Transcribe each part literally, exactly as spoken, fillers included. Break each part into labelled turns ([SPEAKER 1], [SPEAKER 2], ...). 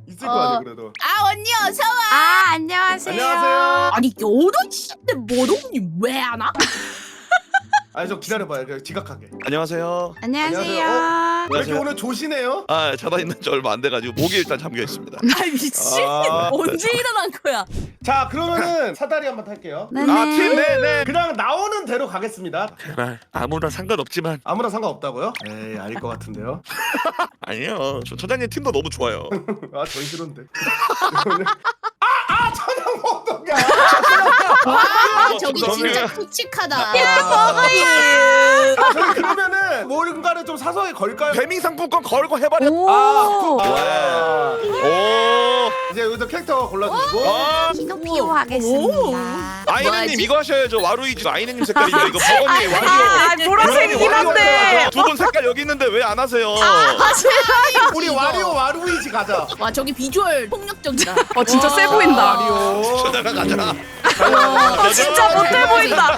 [SPEAKER 1] 있을 거 아니야 그래도.
[SPEAKER 2] 아 언니 어서 와.
[SPEAKER 3] 아 안녕하세요.
[SPEAKER 1] 안녕하세요.
[SPEAKER 2] 아니 여덟 시인데 모동님 왜 안 와?
[SPEAKER 1] 아니 저 기다려봐요. 그냥 지각하게.
[SPEAKER 4] 안녕하세요.
[SPEAKER 3] 안녕하세요.
[SPEAKER 1] 안녕하세요. 왜 이렇게
[SPEAKER 4] 안녕하세요.
[SPEAKER 1] 오늘 조시네요?
[SPEAKER 4] 아 자다 있는 지 얼마 안 돼가지고 목이 일단 잠겨 있습니다.
[SPEAKER 2] 아 미친.
[SPEAKER 1] 아.
[SPEAKER 2] 언제 일어난 거야?
[SPEAKER 1] 자 그러면은 사다리 한번 탈게요.
[SPEAKER 3] 네네.
[SPEAKER 4] 아 팀 네네.
[SPEAKER 1] 그냥 나오는 대로 가겠습니다.
[SPEAKER 4] 제발 아무나 상관없지만
[SPEAKER 1] 아무나 상관없다고요? 에이 아닐 것 같은데요.
[SPEAKER 4] 아니요. 저 처장님 팀도 너무 좋아요.
[SPEAKER 1] 아 저희 싫은데. 아아 천양 어떡해.
[SPEAKER 2] 와
[SPEAKER 4] 아,
[SPEAKER 2] 저기
[SPEAKER 4] 저는-
[SPEAKER 2] 진짜 굵직하다.
[SPEAKER 1] 아 저희 그러면은 뭔가를 좀 사서히 걸까요?
[SPEAKER 4] 배밍 상품권 걸고 해버려.
[SPEAKER 3] 오.
[SPEAKER 1] 아,
[SPEAKER 4] 오.
[SPEAKER 1] 이제 여기서 캐릭터 골라주시고.
[SPEAKER 4] 아
[SPEAKER 3] 키노피오 하겠습니다.
[SPEAKER 4] 아이네님
[SPEAKER 2] 뭐하지?
[SPEAKER 4] 이거 하셔야죠. 와루이지 아이네님 색깔이죠. 이거 버거니 와리오.
[SPEAKER 3] 아 보라색이긴 한데.
[SPEAKER 4] 두 분 색깔 여기 있는데 왜 안 하세요?
[SPEAKER 1] 우리 와리오 와루이지 가자.
[SPEAKER 2] 와 저기 비주얼 폭력적이다.
[SPEAKER 3] 어 진짜 세 보인다.
[SPEAKER 1] 와리오.
[SPEAKER 4] 저자가 가자.
[SPEAKER 3] 어, 진짜 못해 보인다.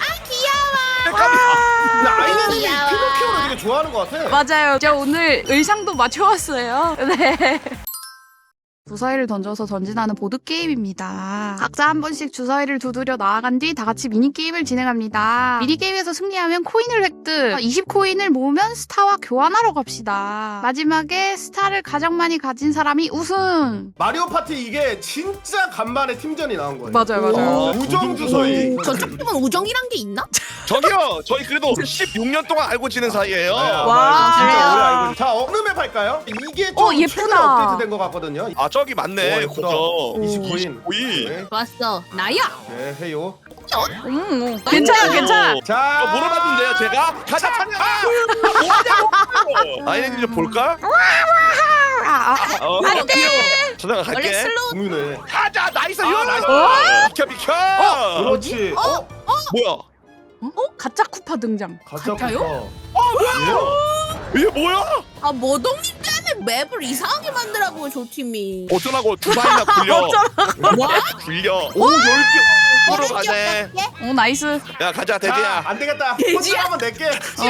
[SPEAKER 1] 근데 아이네님이
[SPEAKER 2] 귀여워.
[SPEAKER 1] 피노키오를 되게 좋아하는 것 같아.
[SPEAKER 3] 맞아요. 제가 오늘 의상도 맞춰왔어요. 네. 주사위를 던져서 전진하는 보드게임입니다. 각자 한 번씩 주사위를 두드려 나아간 뒤 다 같이 미니게임을 진행합니다. 미니게임에서 승리하면 코인을 획득, 이십 코인을 모으면 스타와 교환하러 갑시다. 마지막에 스타를 가장 많이 가진 사람이 우승!
[SPEAKER 1] 마리오 파티 이게 진짜 간만에 팀전이 나온 거예요.
[SPEAKER 3] 맞아요, 맞아요.
[SPEAKER 4] 아,
[SPEAKER 1] 우정 주서희.
[SPEAKER 2] 저 팀은 우정이란 게 있나?
[SPEAKER 4] 저기요. 저희 그래도 십육 년 동안 알고 지낸 사이예요.
[SPEAKER 3] 와.
[SPEAKER 1] 진짜
[SPEAKER 2] 그래요?
[SPEAKER 1] 오래 알고 있- 자 어느 맵 할까요? 이게 좀
[SPEAKER 3] 어, 예쁘다.
[SPEAKER 1] 최근에 업데이트된 것 같거든요.
[SPEAKER 4] 아 저기 맞네.
[SPEAKER 1] 오, 예쁘다.
[SPEAKER 4] 고정.
[SPEAKER 1] 이십 코인.
[SPEAKER 4] 이십 코인.
[SPEAKER 1] 네,
[SPEAKER 2] 좋았어. 나야.
[SPEAKER 1] 네 해요.
[SPEAKER 3] 음, 음. 괜찮아, 괜찮아.
[SPEAKER 1] 자
[SPEAKER 4] 저 물어봤는데요 제가 가자 찬양아 뭐냐고 아이네님 좀 볼까?
[SPEAKER 3] 아, 아, 아.
[SPEAKER 4] 어,
[SPEAKER 3] 안 돼!
[SPEAKER 4] 찬양아
[SPEAKER 2] 원래
[SPEAKER 4] 갈게
[SPEAKER 2] 슬로우.
[SPEAKER 1] 공유네.
[SPEAKER 4] 가자 나이스
[SPEAKER 1] 아,
[SPEAKER 4] 유
[SPEAKER 1] 나이스.
[SPEAKER 4] 비켜 비켜
[SPEAKER 1] 그렇지. 어?
[SPEAKER 4] 뭐야
[SPEAKER 3] 어? 가짜 쿠파 등장.
[SPEAKER 1] 가짜
[SPEAKER 2] 가짜요?
[SPEAKER 1] 쿠파.
[SPEAKER 4] 이게 뭐야
[SPEAKER 2] 아 모동님 때문에 맵을 이상하게 만들라고 저 팀이.
[SPEAKER 4] 어쩌라고 두 방이나 굴려
[SPEAKER 2] 와?
[SPEAKER 4] 굴려
[SPEAKER 1] 오 열 개.
[SPEAKER 4] 으로 가네
[SPEAKER 3] 오, 나이스.
[SPEAKER 4] 야 가자
[SPEAKER 1] 자,
[SPEAKER 4] 대지야
[SPEAKER 1] 안 되겠다.
[SPEAKER 2] 돼지야?
[SPEAKER 1] 혼자 한번 낼게.
[SPEAKER 3] 어,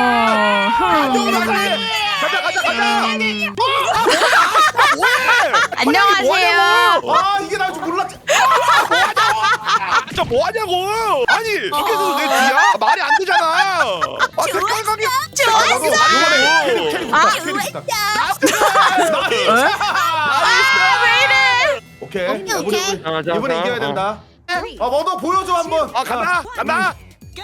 [SPEAKER 4] 가자 가자 가자
[SPEAKER 3] 안녕하세요.
[SPEAKER 1] 아 이게 날 줄 몰랐지.
[SPEAKER 4] 진짜 뭐하냐고 아니 이게서 내 뒤야 말이 안 되잖아 아 색깔 가게
[SPEAKER 2] 좋았어.
[SPEAKER 4] 이거네
[SPEAKER 3] 아,
[SPEAKER 1] 왜 이래? 오케이.
[SPEAKER 2] 오케이,
[SPEAKER 1] 이번에
[SPEAKER 2] 오케이.
[SPEAKER 1] 우리- 이번에 이겨야 된다. 아 너도 보여줘 한번.
[SPEAKER 4] 아 간다 간다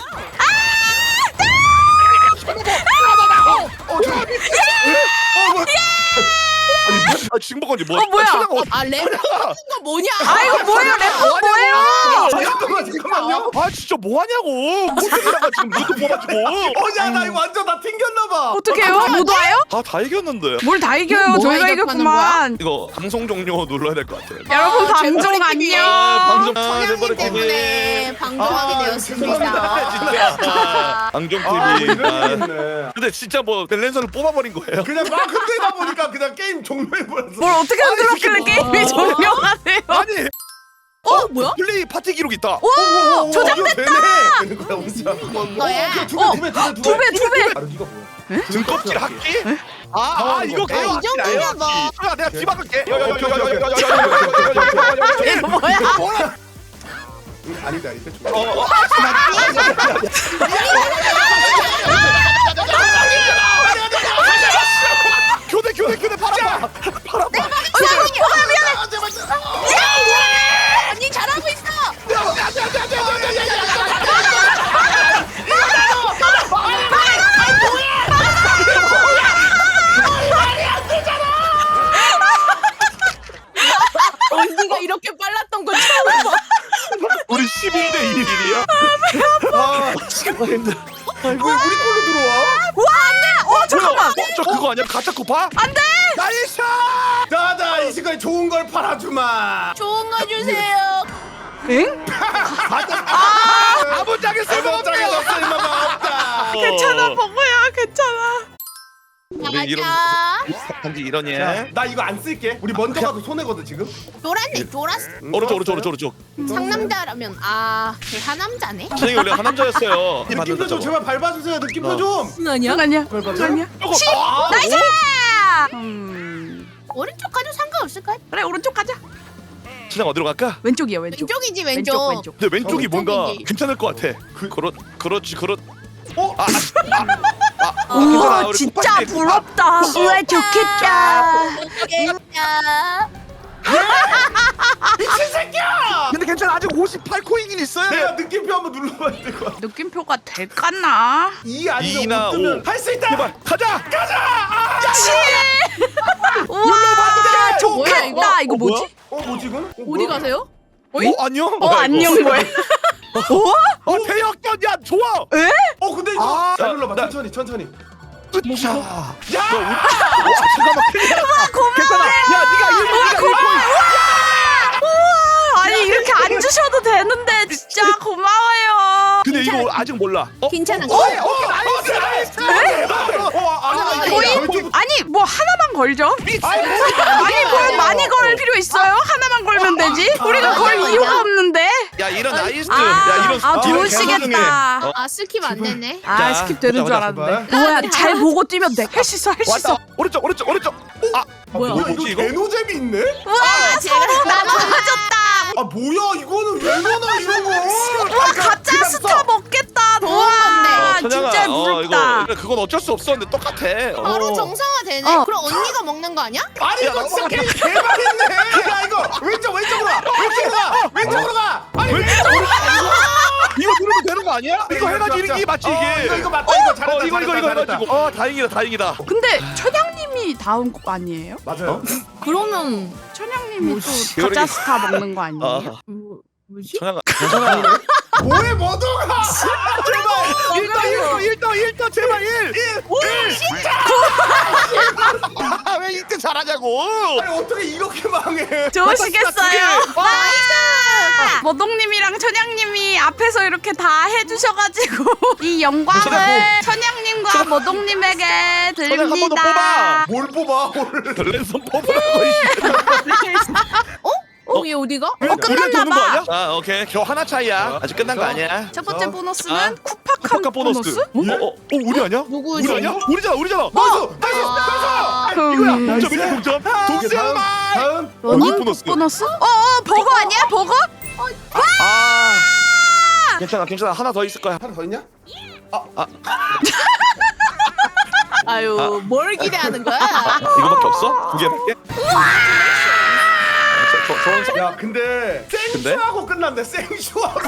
[SPEAKER 4] 아 지금 먹었니 뭐야
[SPEAKER 3] 어, 뭐야?
[SPEAKER 2] 아 랩. 이거 뭐냐?
[SPEAKER 3] 아, 이거 뭐예요? 래퍼 뭐예요?
[SPEAKER 1] 잠깐만 잠깐만요.
[SPEAKER 4] 아 진짜 뭐하냐고 못생기다가 지금 누구 뽑아주고
[SPEAKER 1] 어야 나 이거 완전 나 튕겼나봐.
[SPEAKER 3] 어떡해요? 못 와요?
[SPEAKER 4] 아 다 이겼는데
[SPEAKER 3] 뭘 다 이겨요?
[SPEAKER 2] 뭐가
[SPEAKER 3] 저희가
[SPEAKER 2] 이겼다는
[SPEAKER 3] 이겼구만.
[SPEAKER 4] 이거 방송 종료 눌러야 될 것 같아
[SPEAKER 3] 여러분
[SPEAKER 2] 아,
[SPEAKER 3] 방송
[SPEAKER 2] 제보리
[SPEAKER 3] 안녕.
[SPEAKER 4] 아, 방송
[SPEAKER 2] 청양님 때문에 방송하게
[SPEAKER 1] 아,
[SPEAKER 2] 되었습니다.
[SPEAKER 4] 진짜 방종
[SPEAKER 1] 아
[SPEAKER 4] 티비
[SPEAKER 1] 이런 게 있네.
[SPEAKER 4] 근데 진짜 뭐 밸런서를 뽑아버린 거예요
[SPEAKER 1] 그냥 막 흔들다 보니까 그냥 게임 종료해버렸어.
[SPEAKER 3] 뭘 어떻게 흔들었길래 게임이 종료하네요?
[SPEAKER 4] 아니
[SPEAKER 2] 어 뭐야?
[SPEAKER 4] 플레이 파티 기록 있다
[SPEAKER 1] 오,
[SPEAKER 3] 조작됐다!
[SPEAKER 1] 되네. 되는 거야 혼자.
[SPEAKER 2] 거야?
[SPEAKER 1] 두배두배두배두
[SPEAKER 3] 두 배, 두 배.
[SPEAKER 1] 아 이거 뭐야?
[SPEAKER 4] 등껍질 학기? 아, 아 이거
[SPEAKER 1] 아,
[SPEAKER 4] 그거
[SPEAKER 2] 이
[SPEAKER 4] 학기
[SPEAKER 2] 정도면
[SPEAKER 4] 아니야,
[SPEAKER 2] 뭐.
[SPEAKER 4] 학기. 야 내가 뒤바꿀게
[SPEAKER 3] 이거 뭐야?
[SPEAKER 1] 응, 아니다 이때 좀.
[SPEAKER 4] 교대 교대 교대 팔아 팔아
[SPEAKER 2] 언니 잘하고 있어. 언니가 이렇게 빨랐던 건 처음 봐.
[SPEAKER 4] 우리 십일 대 일이야
[SPEAKER 1] 아
[SPEAKER 4] 지금 힘들
[SPEAKER 1] 왜 우리 걸로 들어와?
[SPEAKER 3] 어, 잠깐만.
[SPEAKER 4] 저 그거 아니야 가짜 쿠파?
[SPEAKER 3] 안돼.
[SPEAKER 4] 나이스
[SPEAKER 1] 자자 이 시간에 좋은 걸 팔아주마.
[SPEAKER 2] 좋은 거 주세요.
[SPEAKER 3] 응?
[SPEAKER 4] 아무짝에
[SPEAKER 1] 세번장에
[SPEAKER 4] 쓸모없네요
[SPEAKER 1] 넣었어 이마가 없다.
[SPEAKER 3] 괜찮아, 버거야, 괜찮아.
[SPEAKER 4] 우리 이런
[SPEAKER 2] 가자.
[SPEAKER 4] 단지 이러니
[SPEAKER 1] 자, 나 이거 안 쓸게. 우리 먼저 가도 손해거든 지금.
[SPEAKER 2] 쫄았네 쫄았어.
[SPEAKER 4] 오른쪽 오른쪽 오른쪽 오른쪽
[SPEAKER 2] 상남자라면 아걔 하남자네?
[SPEAKER 4] 선생님 원래 하남자였어요
[SPEAKER 1] 느낌표 좀 제발 밟아주세요. 느낌표 좀.
[SPEAKER 2] 아니야?
[SPEAKER 3] 아니야.
[SPEAKER 1] 밟아줘.
[SPEAKER 3] 아니야.
[SPEAKER 4] 저거 아,
[SPEAKER 3] 나이스. 음.
[SPEAKER 2] 오른쪽 가도 상관없을까요?
[SPEAKER 3] 그래 오른쪽 가자.
[SPEAKER 4] 천양 어디로 갈까?
[SPEAKER 3] 왼쪽이야 왼쪽.
[SPEAKER 2] 왼쪽이지
[SPEAKER 3] 왼쪽
[SPEAKER 2] 왼쪽.
[SPEAKER 3] 왼쪽.
[SPEAKER 4] 근데 왼쪽이
[SPEAKER 2] 어,
[SPEAKER 4] 뭔가
[SPEAKER 2] 왼쪽이지.
[SPEAKER 4] 괜찮을 것 같아. 그 그렇 그렇지 그렇.
[SPEAKER 1] 어?
[SPEAKER 4] 아, 아, 아, 아,
[SPEAKER 3] 우와
[SPEAKER 4] 괜찮아. 우리
[SPEAKER 3] 진짜
[SPEAKER 4] 꽃밭이
[SPEAKER 3] 부럽다. 우와 좋겠다.
[SPEAKER 2] 모르겠다.
[SPEAKER 1] 미친 새끼야!
[SPEAKER 4] 근데 괜찮아. 아직 오십팔 코인이 있어요.
[SPEAKER 1] 내가 느낌표 한번 눌러봐야 될 것 같아.
[SPEAKER 3] 느낌표가 될까나?
[SPEAKER 1] 이 아니면
[SPEAKER 4] 이나
[SPEAKER 1] 오 뜨면
[SPEAKER 4] 오.
[SPEAKER 1] 할 수 있다!
[SPEAKER 4] 제발 가자. 가자.
[SPEAKER 3] 우와
[SPEAKER 2] 뭐야,
[SPEAKER 3] 좋겠다.
[SPEAKER 2] 이거?
[SPEAKER 3] 이거
[SPEAKER 4] 어,
[SPEAKER 3] 뭐지?
[SPEAKER 1] 어 뭐지 이건? 어,
[SPEAKER 2] 어디
[SPEAKER 1] 뭐야?
[SPEAKER 2] 가세요?
[SPEAKER 4] 어 안녕.
[SPEAKER 3] 어 안녕 뭐야? 어?
[SPEAKER 4] 어 대역전 야 좋아.
[SPEAKER 3] 에?
[SPEAKER 1] 어 근데 이거
[SPEAKER 4] 아,
[SPEAKER 1] 잘
[SPEAKER 4] 나-
[SPEAKER 1] 눌러봐
[SPEAKER 4] 나-
[SPEAKER 1] 천천히 천천히.
[SPEAKER 4] 자. 야. 너, 와, 잠깐만.
[SPEAKER 3] 고마워.
[SPEAKER 4] 괜찮아. 야 네가 일 네가 일 코인.
[SPEAKER 3] 아니 이렇게 안 주셔도 되는데 진짜 고마워요.
[SPEAKER 4] 근데 이거 아직 몰라. 어?
[SPEAKER 2] 괜찮아.
[SPEAKER 1] 어, 오케이 나이스 나이스. 어, 아,
[SPEAKER 2] 아,
[SPEAKER 1] 이거
[SPEAKER 2] 거의?
[SPEAKER 1] 왼쪽-
[SPEAKER 3] 아니 뭐 하나만 걸죠?
[SPEAKER 1] 아이,
[SPEAKER 3] 아니 뭘 많이 걸 필요 있어요? 하나만 걸면 되지? 우리가 걸 이유가 없는데.
[SPEAKER 4] 야 이런 나이스.
[SPEAKER 3] 아,
[SPEAKER 4] 야 이런
[SPEAKER 3] 아
[SPEAKER 4] 이런
[SPEAKER 3] 좋으시겠다.
[SPEAKER 4] 개소중해. 어.
[SPEAKER 2] 아 스킵 안 되네.
[SPEAKER 3] 아
[SPEAKER 4] 자,
[SPEAKER 3] 스킵 되는
[SPEAKER 4] 보자,
[SPEAKER 3] 줄
[SPEAKER 4] 보자,
[SPEAKER 3] 알았는데.
[SPEAKER 2] 보자.
[SPEAKER 3] 뭐야 잘 보고 뛰면 돼. 할 수 있어 할 수 있어.
[SPEAKER 4] 왔다. 오른쪽 오른쪽 오른쪽. 아
[SPEAKER 2] 뭐야?
[SPEAKER 1] 뭐야
[SPEAKER 4] 뭐지,
[SPEAKER 1] 이거
[SPEAKER 4] 이거?
[SPEAKER 1] 개노잼이 있네?
[SPEAKER 3] 우와 서로 나눠줬다.
[SPEAKER 1] 아 뭐야 이거는 왜 넣어 이런 거?
[SPEAKER 3] 우와 가짜 스타 먹겠다.
[SPEAKER 2] 좋은
[SPEAKER 3] 우와
[SPEAKER 2] 건데.
[SPEAKER 3] 진짜
[SPEAKER 4] 천양아, 어,
[SPEAKER 3] 부럽다.
[SPEAKER 4] 이거 그건 어쩔 수 없어. 근데 똑같아. 어.
[SPEAKER 2] 바로
[SPEAKER 1] 어.
[SPEAKER 2] 정상화 되네.
[SPEAKER 3] 어.
[SPEAKER 2] 그럼 언니가 먹는 거 아니야?
[SPEAKER 1] 아니
[SPEAKER 4] 야,
[SPEAKER 1] 이거 진짜
[SPEAKER 4] 넘어가.
[SPEAKER 1] 개 개발했네. 야 이거 왼쪽 왼쪽으로 가. 왼쪽으로 가. 왼쪽으로 가. 아니 왼쪽으로 가.
[SPEAKER 4] 이거 누르면 되는 거 아니야? 이거 해가지고 이게 맞지
[SPEAKER 1] 어,
[SPEAKER 4] 이게.
[SPEAKER 1] 이거 이거 맞다 이거 잘했다.
[SPEAKER 4] 어 이거 이거
[SPEAKER 1] 잘했다,
[SPEAKER 4] 이거
[SPEAKER 1] 잘했다.
[SPEAKER 4] 해가지고. 어 다행이다 다행이다.
[SPEAKER 3] 근데 천양님이 다음 거 아니에요?
[SPEAKER 1] 맞아요.
[SPEAKER 2] 그러면
[SPEAKER 3] 천양님이 또
[SPEAKER 4] 이거
[SPEAKER 3] 가짜
[SPEAKER 4] 이렇게-
[SPEAKER 3] 스타 먹는 거 아니에요?
[SPEAKER 4] 아
[SPEAKER 2] 뭐, 뭐지?
[SPEAKER 4] 천양아 괜찮아.
[SPEAKER 1] 뭐해 뭐도가. 제발.
[SPEAKER 4] 일단 일단 일단 일단 제발 일. 일. 왜 이때 잘하냐고.
[SPEAKER 1] 아니 어떻게 이렇게 망해?
[SPEAKER 3] 좋으시겠어요? 나이스! 머동님이랑 천양님이 앞에서 이렇게 다 해주셔가지고 이 영광을 천양님과 머동님에게
[SPEAKER 4] 천양 한 번 더
[SPEAKER 3] 드립니다.
[SPEAKER 4] 뽑아.
[SPEAKER 1] 뭘 뽑아 뭘?
[SPEAKER 4] 랜선 뽑으라고.
[SPEAKER 2] 어? 얘 어디가?
[SPEAKER 3] 어 끝났나봐.
[SPEAKER 4] 아 오케이 겨우 하나 차이야. 아직 끝난 거 아니야.
[SPEAKER 3] 첫 번째
[SPEAKER 1] 어?
[SPEAKER 3] 보너스는
[SPEAKER 4] 아,
[SPEAKER 3] 쿠팍한
[SPEAKER 4] 쿠팡카 보너스.
[SPEAKER 3] 보너스?
[SPEAKER 4] 어? 어? 어? 우리 아니야?
[SPEAKER 2] 누구지?
[SPEAKER 4] 우리 아니야? 우리잖아 우리잖아.
[SPEAKER 1] 나이스 나이스
[SPEAKER 2] 아,
[SPEAKER 1] 나이스.
[SPEAKER 3] 이거야.
[SPEAKER 4] 동점 이제 동점. 동점.
[SPEAKER 1] 다음.
[SPEAKER 3] 러닝
[SPEAKER 4] 보너스.
[SPEAKER 3] 보너스? 어어 버거 아니야 버거?
[SPEAKER 4] 아 괜찮아 괜찮아 하나 더 있을 거야.
[SPEAKER 1] 하나 더 있냐?
[SPEAKER 2] 아유 뭘 기대하는 거야?
[SPEAKER 4] 이거밖에 없어? 두 개밖에? 저, 저, 좋은 사...
[SPEAKER 1] 야 근데
[SPEAKER 4] 근데?
[SPEAKER 1] 생쇼하고 끝났네. 생쇼하고.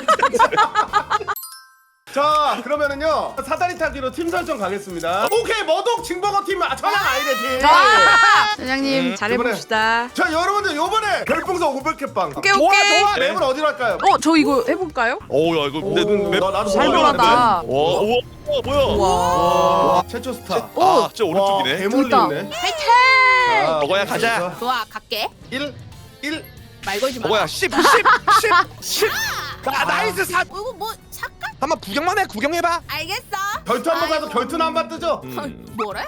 [SPEAKER 1] 자 그러면은요 사다리 타기로 팀 설정 가겠습니다. 오케이 머독 징버거 팀 아, 천양 아이레 팀.
[SPEAKER 3] 아! 천양님
[SPEAKER 4] 음,
[SPEAKER 3] 잘해봅시다.
[SPEAKER 1] 자 여러분들 요번에 별풍선 오백 개 빵.
[SPEAKER 3] 오케이
[SPEAKER 4] 좋아,
[SPEAKER 3] 오케이.
[SPEAKER 4] 좋아.
[SPEAKER 1] 맵은 어디로 할까요?
[SPEAKER 3] 어 저 이거 해볼까요?
[SPEAKER 4] 어우야 이거 근데
[SPEAKER 1] 오,
[SPEAKER 4] 맵...
[SPEAKER 1] 나- 나도
[SPEAKER 3] 잘
[SPEAKER 1] 모르겠는데.
[SPEAKER 3] 돌아다.
[SPEAKER 4] 와 우와 어, 뭐야
[SPEAKER 3] 와.
[SPEAKER 1] 와 최초 스타.
[SPEAKER 3] 오.
[SPEAKER 4] 아 진짜 오른쪽이네.
[SPEAKER 1] 개멀리네.
[SPEAKER 3] 화이팅!
[SPEAKER 4] 먹어야 가자.
[SPEAKER 2] 좋아 갈게.
[SPEAKER 1] 일 일.
[SPEAKER 2] 말 걸지 마.
[SPEAKER 4] 먹어야 십 십 십 십. 아 나이스 사.
[SPEAKER 2] 어, 이거 뭐 잠깐
[SPEAKER 4] 한번 구경만 해 구경해봐.
[SPEAKER 2] 알겠어.
[SPEAKER 1] 결투 한번 가도
[SPEAKER 2] 아이고.
[SPEAKER 1] 결투는 한 번 뜨죠?
[SPEAKER 4] 음,
[SPEAKER 2] 뭐래?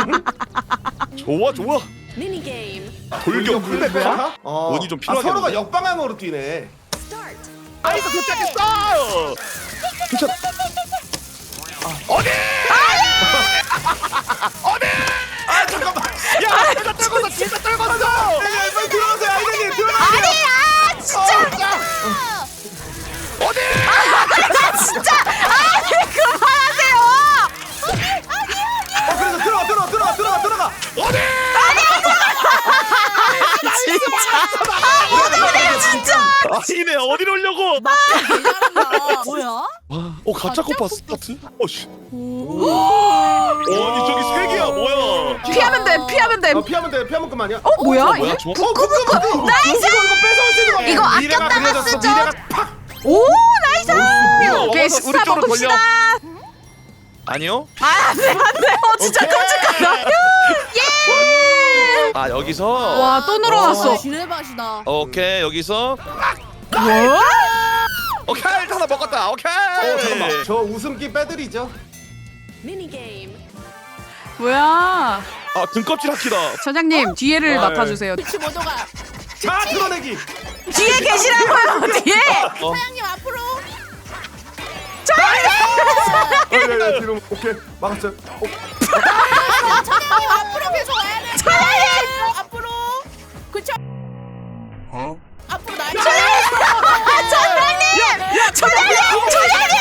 [SPEAKER 4] 좋아 좋아.
[SPEAKER 2] 미니 게임.
[SPEAKER 4] 돌격 풀백
[SPEAKER 1] 뭐야? 어.
[SPEAKER 4] 원이 좀
[SPEAKER 1] 아,
[SPEAKER 4] 필요하겠는데?
[SPEAKER 1] 서로가 역방향으로 뛰네.
[SPEAKER 4] 나이스 도착했어. 괜찮아. 어디? 어디?
[SPEAKER 1] 아 잠깐만.
[SPEAKER 4] 야 진짜 떨궜어 진짜 떨궜어.
[SPEAKER 1] 야, 빨리 들어가세요 아이들님 들어가세요.
[SPEAKER 3] 아니야 진짜.
[SPEAKER 4] 어디?
[SPEAKER 3] 진짜 아니 그만하세요.
[SPEAKER 1] 어 그래서 들어가 들어가 들어가 들어가 들어가.
[SPEAKER 4] 어디?
[SPEAKER 3] 진짜.
[SPEAKER 4] 아니네 어디로 오려고?
[SPEAKER 2] 잘한다. 뭐야?
[SPEAKER 4] 어 가짜 코파 스타트? 어씨. 아니 저기 세 개야 뭐야?
[SPEAKER 3] 피하면 돼 피하면 돼.
[SPEAKER 1] 어 피하면 돼 피하면 그만이야.
[SPEAKER 3] 어 뭐야
[SPEAKER 4] 어,
[SPEAKER 3] 이게?
[SPEAKER 4] 뭐야? 좋아.
[SPEAKER 1] 어 부끄부끄. 나이스. 이거 이거 뺏어올 수 있는 거.
[SPEAKER 3] 이거
[SPEAKER 1] 미래가
[SPEAKER 3] 아꼈다가
[SPEAKER 1] 그려졌어,
[SPEAKER 3] 쓰죠.
[SPEAKER 1] 미래가 팍.
[SPEAKER 3] 오 나이스.
[SPEAKER 4] 뭐야?
[SPEAKER 3] 오케이
[SPEAKER 4] 와서
[SPEAKER 3] 스타
[SPEAKER 4] 우리 쪽으로
[SPEAKER 3] 먹읍시다.
[SPEAKER 4] 아니요?
[SPEAKER 3] 아 안돼 안돼. 어 진짜
[SPEAKER 1] 오케이.
[SPEAKER 3] 끔찍하다. 예.
[SPEAKER 4] 아 여기서
[SPEAKER 3] 와 또 늘어났어.
[SPEAKER 2] 지뢰밭이다.
[SPEAKER 4] 오케이 여기서
[SPEAKER 3] 뭐?
[SPEAKER 4] 오케이 하나 먹었다 오케이.
[SPEAKER 1] 어 잠깐만. 저 웃음기 빼드리죠.
[SPEAKER 2] 미니 게임.
[SPEAKER 3] 뭐야?
[SPEAKER 4] 아 등껍질 하키다.
[SPEAKER 3] 처장님 뒤에를
[SPEAKER 1] 아,
[SPEAKER 3] 맡아주세요.
[SPEAKER 2] 십오 도가.
[SPEAKER 1] 자 드러내기.
[SPEAKER 3] 뒤에 계시라고요 뒤에.
[SPEAKER 4] 어.
[SPEAKER 2] 사장님 앞으로.
[SPEAKER 1] 네네 뒤로 오케이 막았죠. 어,
[SPEAKER 2] 사장님 앞으로 계속 와야 돼. 사장님 앞으로. 저...
[SPEAKER 4] 어?
[SPEAKER 2] 앞으로 날
[SPEAKER 3] 전장님! 전장님! 전장님!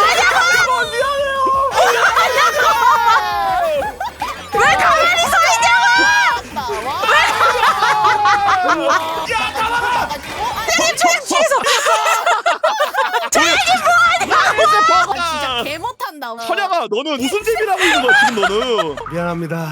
[SPEAKER 3] 왜 가만히 서 있냐고! 선생님 저 뒤에서
[SPEAKER 2] 진짜 개 못한다.
[SPEAKER 4] 선영아 너는 무슨 재미라고 있는 거야 지금 너는?
[SPEAKER 1] 미안합니다.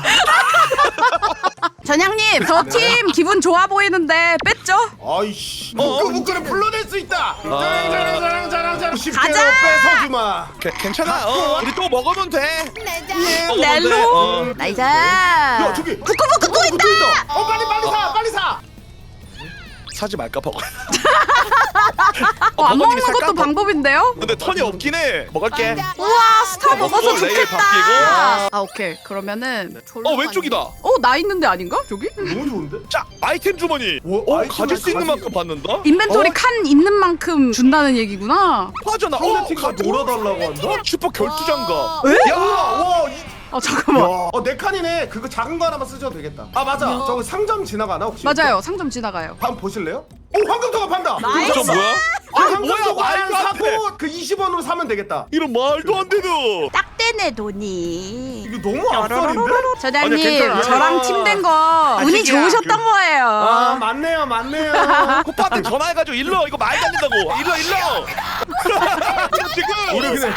[SPEAKER 3] 전장님 저 팀 기분 좋아 보이는데 뺐죠?
[SPEAKER 1] 아이씨.
[SPEAKER 4] 어?
[SPEAKER 1] 부끄부끄는 불러낼 수 있다. 자랑 자랑 자랑 자랑 자랑. 쉽게
[SPEAKER 3] 가자!
[SPEAKER 1] 뺏어주마.
[SPEAKER 4] 개- 괜찮아. 어, 우리 또 먹으면 돼.
[SPEAKER 2] 내자.
[SPEAKER 4] 먹으면 돼.
[SPEAKER 3] 넬로
[SPEAKER 4] 어.
[SPEAKER 3] 나이스
[SPEAKER 1] 야 저기.
[SPEAKER 3] 부끄부끄 또 있다!
[SPEAKER 1] 있다. 어 빨리 빨리 사 빨리 사.
[SPEAKER 4] 사지 말까 버거.
[SPEAKER 3] 어, 안
[SPEAKER 4] 버거님이
[SPEAKER 3] 먹는
[SPEAKER 4] 살까?
[SPEAKER 3] 것도 방법인데요?
[SPEAKER 4] 근데 턴이 없긴 해. 먹을게.
[SPEAKER 2] 가자.
[SPEAKER 3] 우와 스타
[SPEAKER 4] 먹고
[SPEAKER 3] 먹어서
[SPEAKER 4] 레일
[SPEAKER 3] 좋겠다
[SPEAKER 4] 바뀌고.
[SPEAKER 3] 아 오케이 그러면
[SPEAKER 4] 어 왼쪽이다.
[SPEAKER 3] 어 나 있는데 아닌가? 저기?
[SPEAKER 1] 너무 좋은데?
[SPEAKER 4] 자 아이템 주머니.
[SPEAKER 1] 뭐,
[SPEAKER 4] 어
[SPEAKER 1] 아이템을
[SPEAKER 4] 가질 수 있는
[SPEAKER 1] 가지-
[SPEAKER 4] 만큼 받는다.
[SPEAKER 3] 인벤토리
[SPEAKER 1] 어?
[SPEAKER 3] 칸 있는 만큼 준다는 얘기구나
[SPEAKER 4] 하잖아. 어
[SPEAKER 1] 상대팀과
[SPEAKER 4] 가져.
[SPEAKER 1] 놀아달라고 한다?
[SPEAKER 4] 슈퍼 결투장갑.
[SPEAKER 3] 에?
[SPEAKER 1] 야, 와, 이,
[SPEAKER 3] 아 잠깐만
[SPEAKER 1] 야, 어, 네 칸이네. 그거 작은 거 하나만 쓰셔도 되겠다. 아, 맞아. 저거 상점 지나가나 혹시?
[SPEAKER 3] 맞아요 상점 지나가요
[SPEAKER 1] 한번 보실래요? 오, 황금토가 판다.
[SPEAKER 4] 저 뭐야?
[SPEAKER 1] 그
[SPEAKER 4] 아 뭐야
[SPEAKER 1] 황금토가 하나
[SPEAKER 4] 말도 안 돼.
[SPEAKER 1] 사고 그 이십 원으로 사면 되겠다.
[SPEAKER 4] 이런 말도 안 되는.
[SPEAKER 3] 딱 되네 돈이
[SPEAKER 1] 이거 너무 앞설인데?
[SPEAKER 4] 아니,
[SPEAKER 3] 저장님
[SPEAKER 4] 괜찮아요.
[SPEAKER 3] 저랑 팀 된 거 운이
[SPEAKER 4] 아직이야.
[SPEAKER 3] 좋으셨던 거예요
[SPEAKER 1] 아, 맞네요, 맞네요.
[SPEAKER 4] 코파한테 전화해가지고 일러 이거 말도 안 된다고. 일러 일러. 지금
[SPEAKER 1] 우리 그냥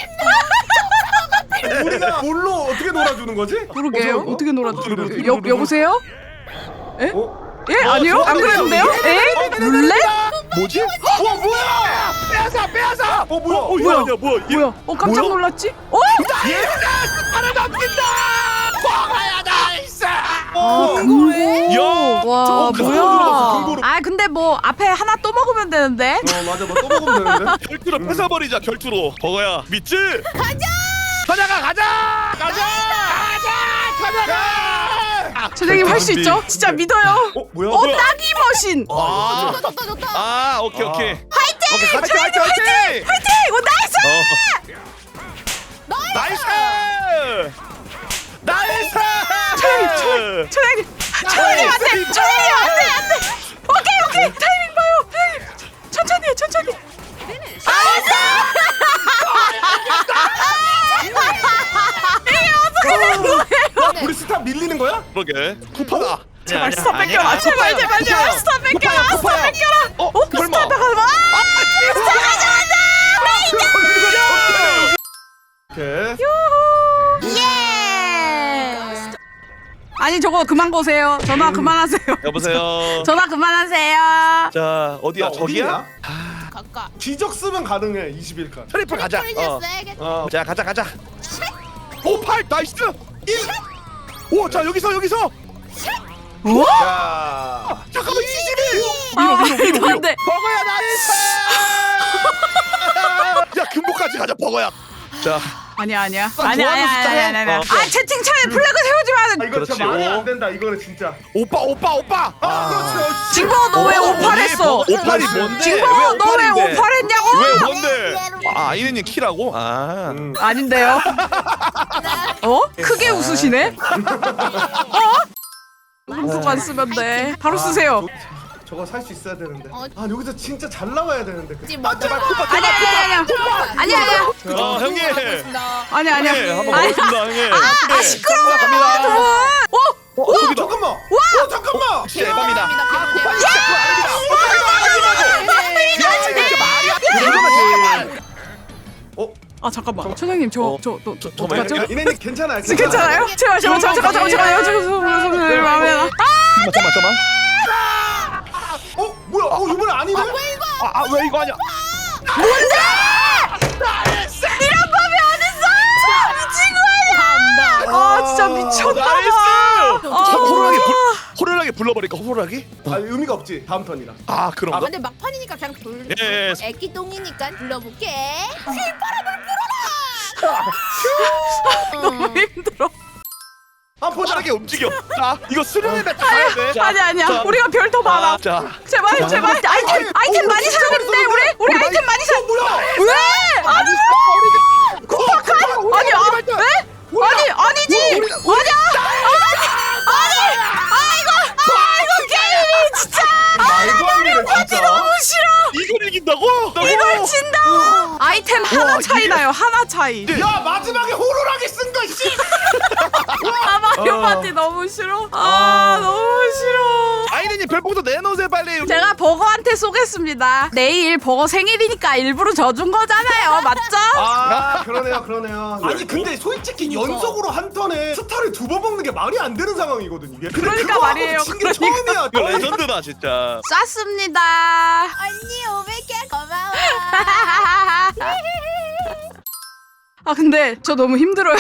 [SPEAKER 1] 우리가 뭘로 어떻게 놀아주는 거지?
[SPEAKER 3] 그러게요
[SPEAKER 1] 어, 저-
[SPEAKER 3] 어떻게 놀아
[SPEAKER 1] 어떻게 놀아주는
[SPEAKER 3] 여,
[SPEAKER 1] 거지?
[SPEAKER 3] 여보세요?
[SPEAKER 1] 어?
[SPEAKER 3] 예? 아니요? 안 그랬는데요? 에? 룰렛?
[SPEAKER 4] 뭐지?
[SPEAKER 1] 어, 뭐야?
[SPEAKER 4] 빼앗아 빼앗아.
[SPEAKER 1] 어, 뭐야?
[SPEAKER 4] 어 뭐야 뭐야 뭐야. 얘-
[SPEAKER 3] 뭐야? 어 깜짝
[SPEAKER 4] 뭐야?
[SPEAKER 3] 놀랐지? 어?
[SPEAKER 4] 하나 남긴다. 먹어야 나이스.
[SPEAKER 1] 어,
[SPEAKER 3] 금고
[SPEAKER 4] 야,
[SPEAKER 3] 와
[SPEAKER 1] 저거 금고로 들어갔어,
[SPEAKER 3] 뭐야
[SPEAKER 1] 금고로.
[SPEAKER 3] 아 근데 뭐 앞에 하나 또 먹으면 되는데
[SPEAKER 1] 어, 맞아. 뭐 또 먹으면 되는데?
[SPEAKER 4] 결투로 뺏어버리자 결투로. 버거야 믿지? 가자. 가자가 가자. 가자. 가자. 가자.
[SPEAKER 3] 선생님 할 수 있죠? 진짜 믿어요
[SPEAKER 1] 어, 뭐야?
[SPEAKER 3] 어
[SPEAKER 1] 뭐야?
[SPEAKER 3] 따기 머신
[SPEAKER 4] 아,
[SPEAKER 2] 좋다 좋다 좋다.
[SPEAKER 4] 아 오케이
[SPEAKER 1] 아.
[SPEAKER 4] 오케이.
[SPEAKER 3] 화이팅!
[SPEAKER 4] 오케이, 화이팅,
[SPEAKER 3] 저희도
[SPEAKER 4] 화이팅,
[SPEAKER 3] 화이팅! 화이팅! 오 나이스!
[SPEAKER 4] 나이스. 나이스.
[SPEAKER 3] 초장님 초장님 초장님 안돼 초장님 안돼 안돼 오케이 오케이 타이밍 봐요 타이밍 천천히 해 천천히 이게 어떻게 된 거예요?
[SPEAKER 1] 우리 스타 밀리는 거야?
[SPEAKER 4] 그러게. 쿠파다.
[SPEAKER 3] 제발 스타 뺏겨라 제발 제발 제발 스타 뺏겨라 스타
[SPEAKER 4] 쿠파야.
[SPEAKER 3] 뺏겨라
[SPEAKER 4] 어,
[SPEAKER 3] 어?
[SPEAKER 4] 설마.
[SPEAKER 3] 스타 뺏겨라 아 스타 가져간다
[SPEAKER 1] 오케이.
[SPEAKER 3] 예 아니 저거 그만 거세요 전화 그만하세요
[SPEAKER 4] 여보세요.
[SPEAKER 3] 전화 그만하세요
[SPEAKER 4] 자 어디야
[SPEAKER 1] 나
[SPEAKER 4] 저기야?
[SPEAKER 1] 어디냐?
[SPEAKER 2] 가까.
[SPEAKER 1] 기적 쓰면 가능해. 이십일 칸.
[SPEAKER 4] 트리플 가자.
[SPEAKER 2] 이제
[SPEAKER 4] 어.
[SPEAKER 2] 써야겠다.
[SPEAKER 1] 어.
[SPEAKER 4] 자 가자 가자. 오 팔 나이스. 일. 오 자 여기서 여기서.
[SPEAKER 1] 자.
[SPEAKER 4] 잠깐만 이십일.
[SPEAKER 3] 아 말도 안돼
[SPEAKER 4] 버거야 나이스. 야 금복까지 가자 버거야. 자
[SPEAKER 3] 아니야 아니야
[SPEAKER 4] 아,
[SPEAKER 3] 아니야 아니야
[SPEAKER 4] 좋아하는 숫자
[SPEAKER 3] 아니야
[SPEAKER 4] 해.
[SPEAKER 3] 아니야 아니야
[SPEAKER 4] 어.
[SPEAKER 3] 아 채팅창에 플래그 세우지
[SPEAKER 1] 아,
[SPEAKER 3] 마
[SPEAKER 1] 이거 진짜
[SPEAKER 4] 그렇지.
[SPEAKER 1] 말이
[SPEAKER 4] 오.
[SPEAKER 1] 안 된다. 이거는 진짜.
[SPEAKER 4] 오빠 오빠 오빠.
[SPEAKER 1] 아, 그렇지.
[SPEAKER 3] 징버 너 왜 오팔했어
[SPEAKER 4] 오팔이 뭔데?
[SPEAKER 3] 징버 너 왜 오팔했냐고
[SPEAKER 4] 왜 뭔데? 아 아이네님 키라고? 아.
[SPEAKER 1] 음.
[SPEAKER 3] 아닌데요 어? 크게 웃으시네 어? 금속만 쓰면 돼 바로 쓰세요
[SPEAKER 1] 저거 살 수 있어야 되는데.
[SPEAKER 2] 어.
[SPEAKER 1] 아, 여기서 진짜 잘 나와야 되는데.
[SPEAKER 2] 지금 먼저 봐.
[SPEAKER 3] 아니야 아니야 아니야 아니야
[SPEAKER 4] 어 형님.
[SPEAKER 3] 아니야 아니야
[SPEAKER 4] 네, 한번
[SPEAKER 3] 아니야
[SPEAKER 4] 먹었습니다 형님.
[SPEAKER 3] 아, 아 시끄러워
[SPEAKER 4] 갑니다.
[SPEAKER 3] 두 분. 어?
[SPEAKER 1] 어, 어, 잠깐만. 와, 잠깐만.
[SPEAKER 4] 진짜 에바입니다.
[SPEAKER 2] 아,
[SPEAKER 1] 어,
[SPEAKER 3] 아 잠깐만 천장님 저
[SPEAKER 4] 어.
[SPEAKER 3] 저 또
[SPEAKER 4] 저-
[SPEAKER 3] 어떡하죠?
[SPEAKER 4] 잠깐만요.
[SPEAKER 1] 이네님 괜찮아요.
[SPEAKER 3] 괜찮아요? 제발 제발 제발 제발 제발 제발 제발 제발 마음에 나.
[SPEAKER 4] 잠깐만 잠깐만 잠깐만.
[SPEAKER 1] 어, 뭐야? 어, 이번에 아니네?
[SPEAKER 4] 아 왜 이거 아니야?
[SPEAKER 3] 이런 법이 어딨어? 미친 거 아니야? 아 진짜 미쳤나
[SPEAKER 4] 나이스.
[SPEAKER 3] 봐. 아.
[SPEAKER 4] 호루라기 불 호루라기 불러버릴까 호루라기?
[SPEAKER 1] 아, 의미가 없지. 다음 턴이라.
[SPEAKER 4] 아 그런가?
[SPEAKER 2] 근데 막판이니까 그냥 불.
[SPEAKER 4] 예, 예.
[SPEAKER 2] 애기똥이니까 불러볼게.
[SPEAKER 3] 너무 힘들어.
[SPEAKER 1] 아, 보자.
[SPEAKER 4] 빠르게 움직여. 자 이거 수련회 배 타야 돼. 자,
[SPEAKER 3] 아니 아니야.
[SPEAKER 4] 자,
[SPEAKER 3] 우리가 별 더 많아.
[SPEAKER 4] 자
[SPEAKER 3] 제발 제발 아이템 아이템
[SPEAKER 1] 어,
[SPEAKER 3] 많이 사는데 우리 우리
[SPEAKER 1] 우리
[SPEAKER 3] 아이템 많이 사.
[SPEAKER 1] 뭐야?
[SPEAKER 3] 왜? 아니 쿠파칸 아니 아 왜? 아니 아니지 아니야 아니 아니 아 이거 아 이거 게임이
[SPEAKER 4] 진다고?
[SPEAKER 3] 이걸 진다. 아이템 하나
[SPEAKER 4] 와,
[SPEAKER 3] 차이
[SPEAKER 4] 이게-
[SPEAKER 3] 나요. 하나 차이.
[SPEAKER 1] 야 마지막에 호루라기 쓴 거 씨.
[SPEAKER 3] 아 마리오
[SPEAKER 1] 어.
[SPEAKER 3] 파티 너무 싫어. 아 너무 싫어.
[SPEAKER 4] 아이네님 별풍선 내놓으세요 빨리.
[SPEAKER 3] 제가 버거한테 쏘겠습니다. 내일 버거 생일이니까 일부러 져준 거잖아요. 맞죠?
[SPEAKER 1] 아 그러네요 그러네요. 아니 근데 솔직히 연속으로 한 턴에 스타를 두 번 먹는 게 말이 안 되는 상황이거든 이게. 근데
[SPEAKER 3] 그러니까
[SPEAKER 1] 그거
[SPEAKER 3] 말이에요.
[SPEAKER 1] 하고 진 게
[SPEAKER 3] 그러니까.
[SPEAKER 1] 처음이야.
[SPEAKER 4] 이거 레전드다 진짜.
[SPEAKER 3] 쐈습니다.
[SPEAKER 2] 언니 오백 개 고마워.
[SPEAKER 3] 아 근데 저 너무 힘들어요.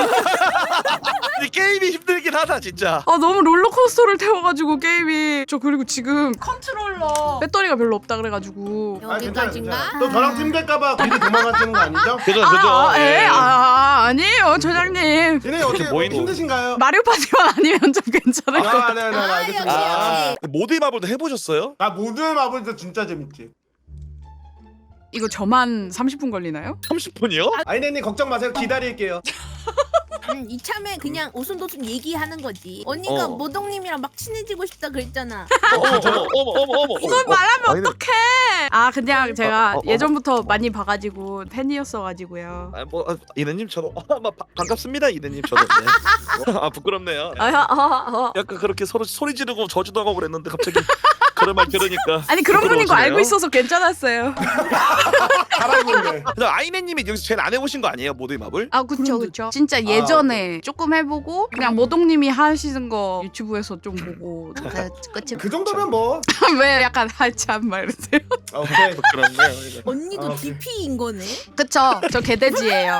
[SPEAKER 4] 이 게임이 힘들긴 하다 진짜.
[SPEAKER 3] 아 너무 롤러코스터를 태워가지고 게임이. 저 그리고 지금 컨트롤러 배터리가 별로 없다 그래가지고.
[SPEAKER 1] 아, 괜찮아,
[SPEAKER 2] 여기까지인가?
[SPEAKER 1] 괜찮아. 또 저랑 팀 될까봐 미리 도망가시는 거 아니죠?
[SPEAKER 4] 그죠
[SPEAKER 3] 아,
[SPEAKER 4] 그죠.
[SPEAKER 3] 아, 에?
[SPEAKER 4] 예.
[SPEAKER 3] 아, 아니에요, 조장님.
[SPEAKER 1] 얘네 어떻게 뭐
[SPEAKER 4] 모이는 거.
[SPEAKER 1] 힘드신가요?
[SPEAKER 3] 마리오 파티만 아니면 좀 괜찮을 것 같아요.
[SPEAKER 1] 아, 네네,
[SPEAKER 2] 아,
[SPEAKER 1] 알겠습니다.
[SPEAKER 2] 역시,
[SPEAKER 1] 아,
[SPEAKER 2] 역시.
[SPEAKER 4] 모드의 마블도 해보셨어요?
[SPEAKER 1] 아, 모두의 마블도 진짜 재밌지.
[SPEAKER 3] 이거 저만 삼십 분 걸리나요?
[SPEAKER 4] 삼십 분이요?
[SPEAKER 1] 아이네님 걱정 마세요. 기다릴게요.
[SPEAKER 2] 음, 이참에 그냥 오순도순 얘기하는 거지. 언니가
[SPEAKER 4] 어.
[SPEAKER 2] 모동님이랑 막 친해지고 싶다 그랬잖아.
[SPEAKER 4] 어머 어머 어머 어머 어머.
[SPEAKER 3] 이걸
[SPEAKER 4] 어,
[SPEAKER 3] 말하면
[SPEAKER 4] 아이네.
[SPEAKER 3] 어떡해. 아 그냥 제가
[SPEAKER 4] 어, 어, 어.
[SPEAKER 3] 예전부터 많이 봐가지고 팬이었어가지고요.
[SPEAKER 4] 아, 뭐 아, 이네님 저도 아, 막 바- 반갑습니다 이네님 저도. 네. 아 부끄럽네요.
[SPEAKER 3] 아, 아, 아.
[SPEAKER 4] 약간 그렇게 서로 소리 지르고 저주도 하고 그랬는데 갑자기 그런 말 들으니까.
[SPEAKER 3] 아니 그런 분인 거
[SPEAKER 4] 부끄러워지네요.
[SPEAKER 3] 알고 있어서 괜찮았어요.
[SPEAKER 1] 잘 알고 있네.
[SPEAKER 4] 근데 아이네님이 여기서 제일 안 해보신 거 아니에요 모드의 마블?
[SPEAKER 3] 아 그쵸 그쵸. 진짜 예전에 조금 해보고 그냥 모동님이 하시는 거 유튜브에서 좀 보고 그, 끝이.
[SPEAKER 1] 그 정도면 뭐.
[SPEAKER 3] 왜 약간 하참 말이세요?
[SPEAKER 1] 아, 오케이.
[SPEAKER 4] 그렇네요.
[SPEAKER 2] 언니도
[SPEAKER 1] 아,
[SPEAKER 2] 디피인 거네.
[SPEAKER 3] 그쵸. 저 개돼지예요.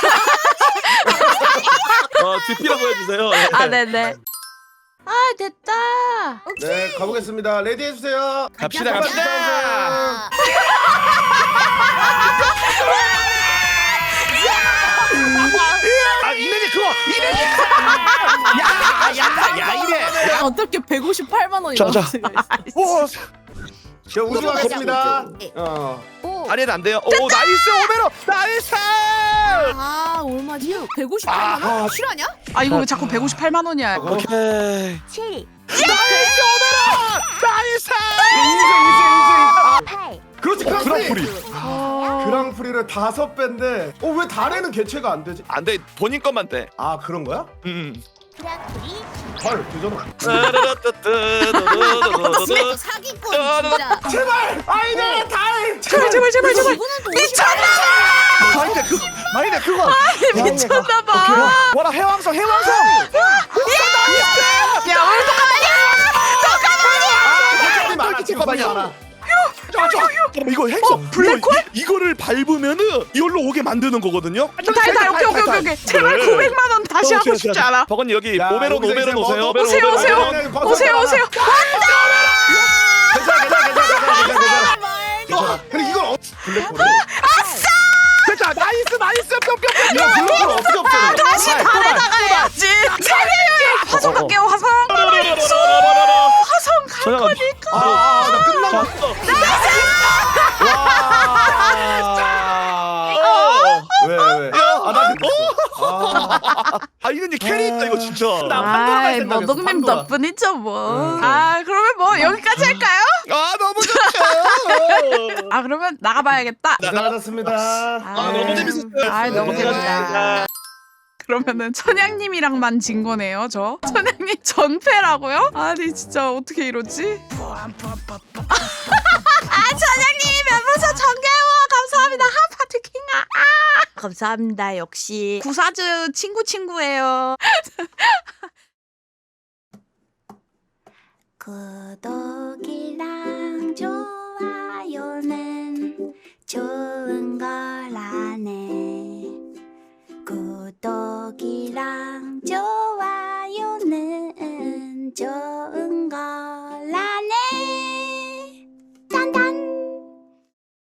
[SPEAKER 4] 어 디피라고 해주세요. 네.
[SPEAKER 3] 아 네네. 아 됐다.
[SPEAKER 1] 네, 가보겠습니다. 레디 해주세요.
[SPEAKER 4] 갑시다
[SPEAKER 2] 가자.
[SPEAKER 4] 갑시다. 아 이네님 그거 이네님. 야야야 이네.
[SPEAKER 2] 야, 어떻게 백오십팔만 원이
[SPEAKER 4] 자, 자.
[SPEAKER 2] 나왔어요?
[SPEAKER 4] 오
[SPEAKER 1] 저 우주
[SPEAKER 2] 가자,
[SPEAKER 1] 왔습니다.
[SPEAKER 2] 우주.
[SPEAKER 1] 어.
[SPEAKER 2] 오.
[SPEAKER 4] 아니 안 돼요. 오 나이스 오베로 나이스.
[SPEAKER 2] 아 얼마지? 백오십팔만 원? 실화냐?
[SPEAKER 3] 아 이거 왜 자꾸 백오십팔만 원이야?
[SPEAKER 4] 오케이.
[SPEAKER 2] 칠.
[SPEAKER 4] 나이스 오베로 나이스.
[SPEAKER 1] 인생, 인생, 인생.
[SPEAKER 2] 팔.
[SPEAKER 1] 그렇지,
[SPEAKER 4] 어,
[SPEAKER 1] 그랑프리.
[SPEAKER 4] 그랑프리.
[SPEAKER 3] 어...
[SPEAKER 1] 그랑프리를 다섯 배인데, 어, 왜 달에는 개최가 안 되지?
[SPEAKER 4] 안돼 본인 것만 돼.
[SPEAKER 1] 아, 그런 거야?
[SPEAKER 4] 음.
[SPEAKER 2] 그랑프리.
[SPEAKER 1] 헐, 되잖아.
[SPEAKER 2] 진짜 또 사기꾼 진짜.
[SPEAKER 1] 제발! 아이네, 달!
[SPEAKER 3] 제발 제발 제발 제발.
[SPEAKER 2] 이거는 또
[SPEAKER 4] 마이네 그거 마이네 그거.
[SPEAKER 3] 미쳤나봐.
[SPEAKER 4] 와라 해왕성 해왕성.
[SPEAKER 3] 야 오늘
[SPEAKER 1] 거짓말이 많아, 지금 거짓말이 많아.
[SPEAKER 4] 이거 행성
[SPEAKER 3] 어, 블랙홀?
[SPEAKER 4] 이거, 이- 이거를 밟으면은 이걸로 오게 만드는 거거든요.
[SPEAKER 3] 달달 오케이 오케이 오케이 오케이. 제발
[SPEAKER 4] 네.
[SPEAKER 3] 구백만 원 다시 하고 싶지 않아.
[SPEAKER 4] 버건님 여기
[SPEAKER 1] 야,
[SPEAKER 4] 오베론
[SPEAKER 1] 여기서
[SPEAKER 4] 오베론
[SPEAKER 1] 이제
[SPEAKER 4] 오세요.
[SPEAKER 1] 뭐-
[SPEAKER 4] 오베론,
[SPEAKER 3] 오세요
[SPEAKER 4] 오베론,
[SPEAKER 3] 오세요
[SPEAKER 4] 오베론.
[SPEAKER 3] 오세요 오세요.
[SPEAKER 1] 괜찮아, 괜찮아, 괜찮아, 괜찮아, 괜찮아. 괜찮아. 근데 이걸 어... 블랙홀을?
[SPEAKER 4] 됐다 나이스 나이스 뿅뿅뿅.
[SPEAKER 1] 이거 블랙홀을 어떻게 없애는 거야?
[SPEAKER 3] 다시 달에다가 해야지. 세계여행 화성 갈게요 화성. 화성 갈
[SPEAKER 4] 전화가-
[SPEAKER 3] 거니까.
[SPEAKER 1] 아, 나 끝나고.
[SPEAKER 4] 와.
[SPEAKER 1] 왜, 왜? 아, 나 됐어. 아,
[SPEAKER 4] 아 이건 캐리 있다 이거 진짜.
[SPEAKER 1] 나 판도라 갈
[SPEAKER 3] 아이
[SPEAKER 1] 생각했어,
[SPEAKER 3] 모동님
[SPEAKER 1] 판도라.
[SPEAKER 3] 덕분이죠 뭐.
[SPEAKER 1] 음.
[SPEAKER 3] 아 그러면 뭐 여기까지 할까요?
[SPEAKER 4] 아 너무 좋죠.
[SPEAKER 3] 아 그러면 나가봐야겠다.
[SPEAKER 1] 고생하셨습니다.
[SPEAKER 4] 아 너무 재밌었어요.
[SPEAKER 3] 아 너무
[SPEAKER 1] 네.
[SPEAKER 3] 재밌다. 그러면은 천양님이랑만 진 거네요, 저. 천양님 전패라고요? 아니 진짜 어떻게 이러지? 아 천양님 멤버서 정겨워 감사합니다. 하파트킹아. 아, 감사합니다. 역시 구사즈 친구 친구예요.
[SPEAKER 2] 구독이랑 좋아요